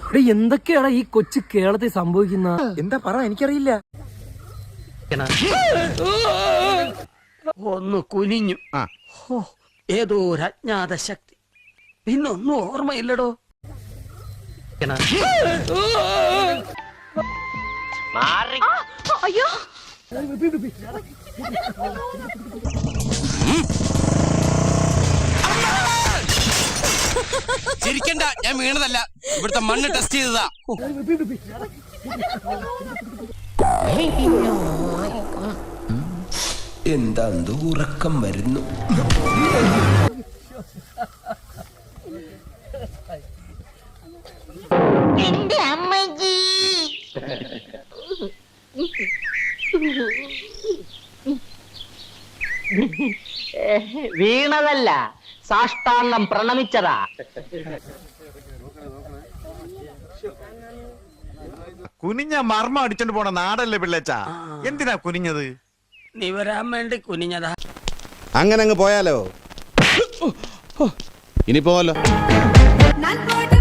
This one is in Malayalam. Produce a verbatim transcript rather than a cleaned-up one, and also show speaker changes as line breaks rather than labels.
എന്തൊക്കെയാണ് ഈ കൊച്ചു കേരളത്തിൽ സംഭവിക്കുന്ന?
എന്താ പറ, എനിക്കറിയില്ല.
ഒന്ന് കുനിഞ്ഞു. ഏതോ ഒരു അജ്ഞാത ശക്തി. പിന്നൊന്നും ഓർമ്മയില്ലടോ.
അയ്യോ
ചിരിക്കണ്ട, ഞാൻ വീണതല്ല, ഇവിടുത്തെ മണ്ണ് ടെസ്റ്റ് ചെയ്തതാ.
എന്താ ഉറക്കം വരുന്നു.
എന്റെ അമ്മജി
വീണതല്ല, സാഷ്ടാംഗം പ്രണമിച്ചതാ.
കുനിഞ്ഞ മർമ്മം അടിച്ചോണ്ട് പോണ നാടല്ലേ പിള്ളേച്ച, എന്തിനാ കുനിഞ്ഞത്?
നീ വരാൻ വേണ്ടി കുനിഞ്ഞതാ.
അങ്ങനെ അങ്ങ് പോയാലോ? ഇനി പോവല്ലോ.